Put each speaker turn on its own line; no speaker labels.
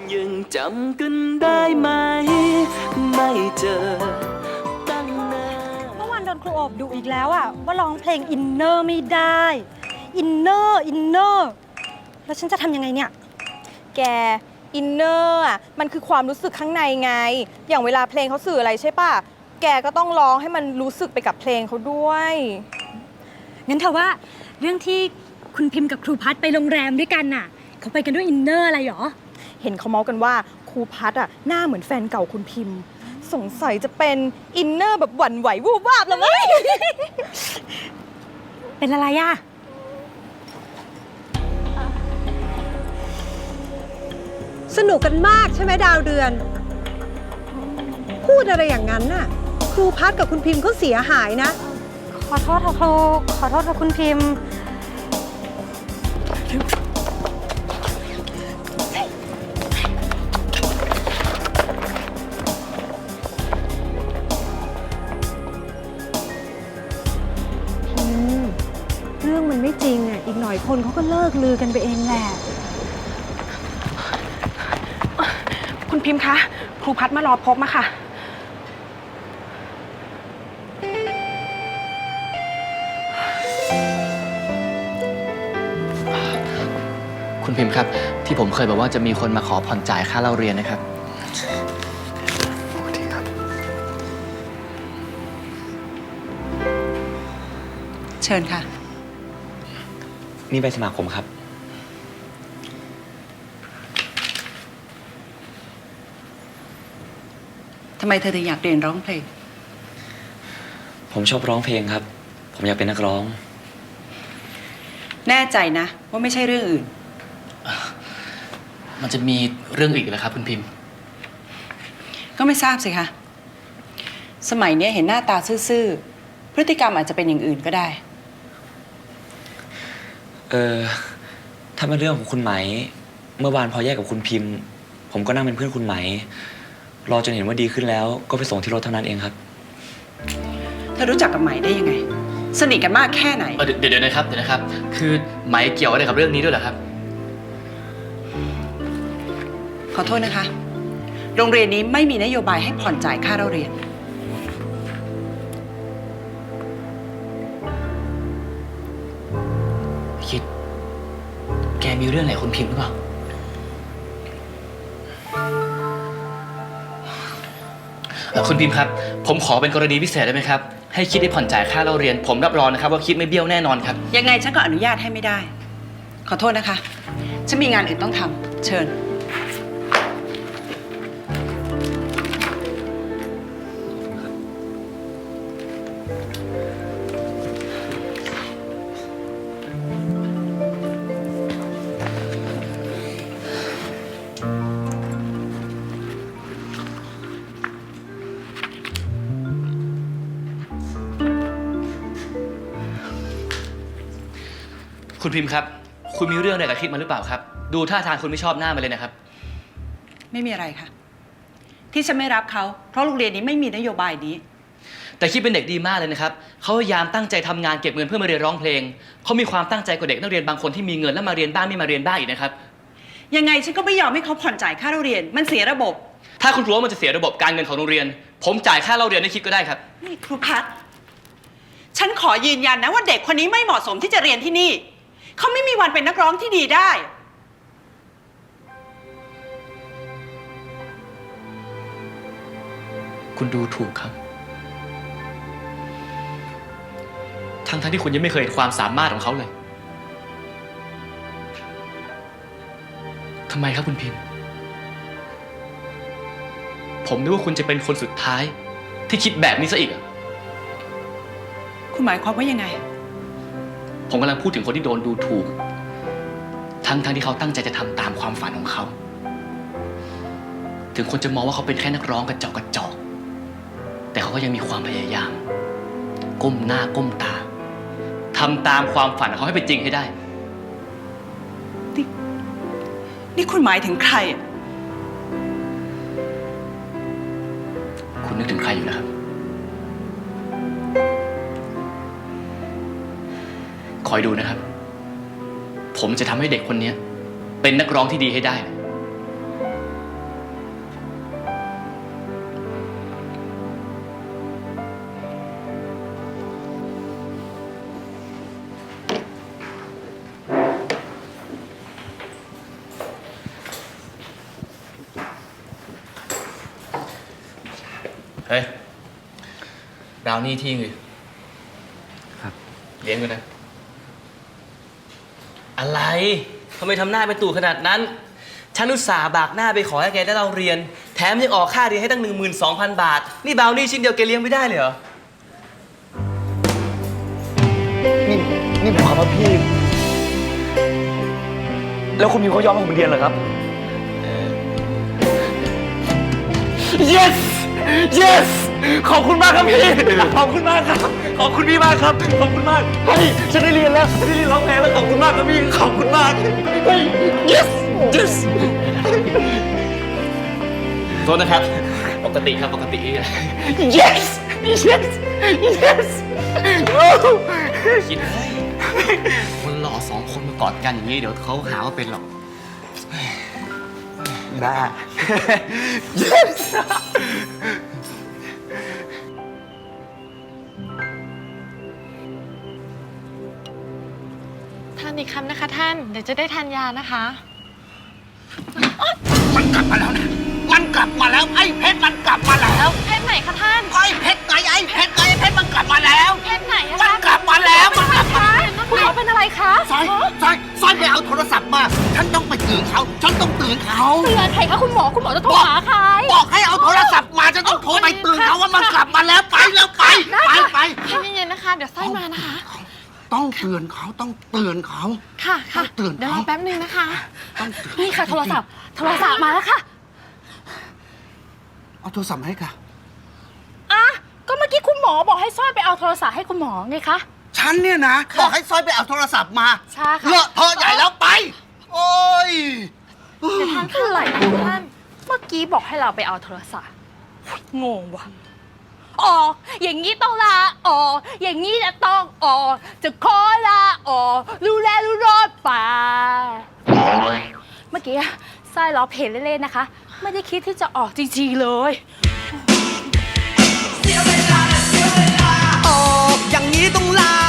ยังจำกันได้ไหมไม่เจอตั้งนาน
เมื่อวานโดนครูอบดุอีกแล้วอะว่าร้องเพลงอินเนอร์ไม่ได้ อินเนอร์แล้วฉันจะทำยังไงเนี่ย
แกอินเนอร์อ่ะมันคือความรู้สึกข้างในไงอย่างเวลาเพลงเขาสื่ออะไรใช่ป่ะแกก็ต้องร้องให้มันรู้สึกไปกับเพลงเขาด้วย
งั้นเธอว่าเรื่องที่คุณพิมพ์กับครูพัดไปโรงแรมด้วยกันน่ะเขาไปกันด้วยอินเนอร์อะไรหรอ
เห็นเขาเมาส์กันว่าครูพัดอ่ะหน้าเหมือนแฟนเก่าคุณพิมพ์สงสัยจะเป็นอินเนอร์แบบหวั่นไหววูบวาบเลย
เป็นอะไรอะ
สนุกกันมากใช่ไหมดาวเดือน พูดอะไรอย่างนั้นน่ะครูพัดกับคุณพิมพ์เขาเสียหายนะ
ขอโทษค่ะครูขอโทษค่ะคุณพิมพ์
เรื่องมันไม่จริงอ่ะอีกหน่อยคนเขาก็เลิกลือกันไปเองแหละ
คุณพิมพ์คะครูพัดมารอพบมาค่ะ
คุณพิมพ์ครับที่ผมเคยบอกว่าจะมีคนมาขอผ่อนจ่ายค่าเล่าเรียนนะครับสวัสดีครับ
เชิญค่ะ
นี่ใบสมัครผมครับ
ทำไมเธอถึงอยากเรียนร้องเพลง
ผมชอบร้องเพลงครับผมอยากเป็นนักร้อง
แน่ใจนะว่าไม่ใช่เรื่องอื่น
มันจะมีเรื่องอีกเหรอครับคุณพิมพ์
ก็ไม่ทราบสิคะสมัยนี้เห็นหน้าตาซื่อๆพฤติกรรมอาจจะเป็นอย่างอื่นก็ได้
ถ้าเป็นเรื่องของคุณไหมเมื่อวานพอแยกกับคุณพิมพ์ผมก็นั่งเป็นเพื่อนคุณไหมรอจนเห็นว่าดีขึ้นแล้วก็ไปส่งที่รถเท่านั้นเองครับ
เธอรู้จักกับไหมได้ยังไงสนิทกันมากแค่ไหน
เดี๋ยวนะครับคือไหมเกี่ยวอะไรกับเรื่องนี้ด้วยเหรอครับ
ขอโทษนะคะโรงเรียนนี้ไม่มีนโยบายให้ผ่อนจ่ายค่าเล่าเรียน
คิดแกมีเรื่องไหนคุณพิมพ์หรือเปล่าคุณพิมพ์ครับผมขอเป็นกรณีพิเศษได้ไหมครับให้คิดได้ผ่อนจ่ายค่าเล่าเรียนผมรับรองนะครับว่าคิดไม่เบี้ยวแน่นอนครับ
ยังไงฉันก็อนุญาตให้ไม่ได้ขอโทษนะคะฉันมีงานอื่นต้องทำเชิญ
คุณพิมพ์ครับคุณมีเรื่องอะไรกับคิดมาหรือเปล่าครับดูท่าทางคุณไม่ชอบหน้ามาเลยนะครับ
ไม่มีอะไรค่ะที่ฉันไม่รับเขาเพราะโรงเรียนนี้ไม่มีนโยบายนี้
แต่คิดเป็นเด็กดีมากเลยนะครับเขาพยายามตั้งใจทำงานเก็บเงินเพื่อมาเรียนร้องเพลงเขามีความตั้งใจกว่าเด็กนักเรียนบางคนที่มีเงินแล้วมาเรียนบ้างไม่มาเรียนบ้างอีกนะครับ
ยังไงฉันก็ไม่ยอมให้เขาผ่อนจ่ายค่าเรียนมันเสียระบบ
ถ้าคุณรู้ว่ามันจะเสียระบบการเงินของโรงเรียนผมจ่ายค่าเล่าเรียนให้คิดก็ได้ครับ
นี่ครูพัฒน์ฉันขอยืนยันนะว่าเด็กคนนี้ไม่เหมาะสมที่จะเรียนที่นี่เขาไม่มีวันเป็นนักร้องที่ดีได้
คุณดูถูกครับทั้งที่คุณยังไม่เคยเห็นความสามารถของเขาเลยทำไมครับคุณพิมพ์ผมนึกว่าคุณจะเป็นคนสุดท้ายที่คิดแบบนี้ซะอีก
คุณหมายความว่ายังไง
ผมกำลังพูดถึงคนที่โดนดูถูกทั้งที่เขาตั้งใจจะทำตามความฝันของเขาถึงคนจะมองว่าเขาเป็นแค่นักร้องกระจอกแต่เขาก็ยังมีความพยายามก้มหน้าก้มตาทำตามความฝันของเขาให้เป็นจริงให้ได้
นี่คุณหมายถึงใคร
คุณนึกถึงใครอยู่นะครับคอยดูนะครับผมจะทำให้เด็กคนนี้เป็นนักร้องที่ดีให้ได้เฮ้ยบราวนี่ที่เลย
ครับ
เลี้ยงกันนะ อะไรทำไมทำหน้าเป็นตู่ขนาดนั้น ฉันอุตส่าห์บากหน้าไปขอให้แกได้เราเรียน แถมยังออกค่าเรียนให้ตั้ง 12,000 บาท นี่บราวนี่ชิ้นเดียวแกเลี้ยงไม่ได้เลยเหรอ
นี่ผมขอมาพี่ แล้วคุณพิมเขายอมให้ผมเรียนเหรอครับ yes yes ขอบคุณมากครับพี่ ขอบคุณมากครับ ขอบคุณพี่มากครับ ขอบคุณมาก เฮ้ย ฉันได้เรียนแล้วฉันได้เรียนร้องเพลงแล้ว ขอบคุณมากครับพี่ ขอบคุณมาก เฮ้ย yes yes
โทษนะครับ ปกติครับปกติ
yes yes yes
คิดเฮ้ยคนหล่อสองคนมากอดกันอย่างนี้เดี๋ยวเขาหาว่าเป็นหรอก
บ้า yes
ทานอีกคำนะคะท่าน เดี๋ยวจะได้ทานยานะคะ
มันกลับมาแล้วนะ มันกลับมาแล้ว ไอ้เพชรมันกลับมาแล้ว
เพศไหนคะท่าน
ไอ้เพชรไงไอ้เพชรไงไอ้เพชรมันกลับมาแล้ว
เพศไหนอะ
มัน
คะ
กลับมาแล้ว มันกลับมา
คุณหมอเป็นอะไรคะ
ซอยไปเอาโทรศัพท์มา ฉันต้องไปตื่นเขา ฉันต้องตื่นเขา
เตือนใครคะคุณหมอจะโทรหาใคร
บอกให้เอาโทรศัพท์มา ฉันต้องโทรไปตื่นเขาว่ามันกลับมาแล้ว ไปแล้วไป ไป
เย็นๆนะคะ เดี๋ยวไส้มานะคะ
ต้องเตือนเขา ต้องเตือนเขา
ค่ะ
ต้องเตือน
เดี๋ยวร
เขา
อแป๊บนึงนะคะ
ต้องเตือน
นี่ค่ะโทรศัพท์มาแล้วค่ะ
เอาโทรศัพท์มาให้ค่ะ
อ่ะ ก็เมื่อกี้คุณหมอบอกให้สร้อยไปเอาโทรศัพท์ให้คุณหมอไงคะ
ฉันเนี่ยนะบอกให้ซอยไปเอาโทรศัพท์มา
ใช่ค่ะ
เลอะเทอะใหญ่แล้วไป โอ้ย
เดี๋ยวท่านคืออะไรคะท่าน เมื่อกี้บอกให้เราไปเอาโทรศัพท์งงว่ะอ๋ออย่างนี้ต้องลาอ๋ออย่างนี้จะต้องอ๋อจะขอลาอ๋อรู้แล้วรู้รอดป่าเมื่อกี้ไส้ล้อเพลเล่นๆนะคะ ไม่ได้คิดที่จะออกจริงๆเลย
ออกอย่างนี้ต้องลา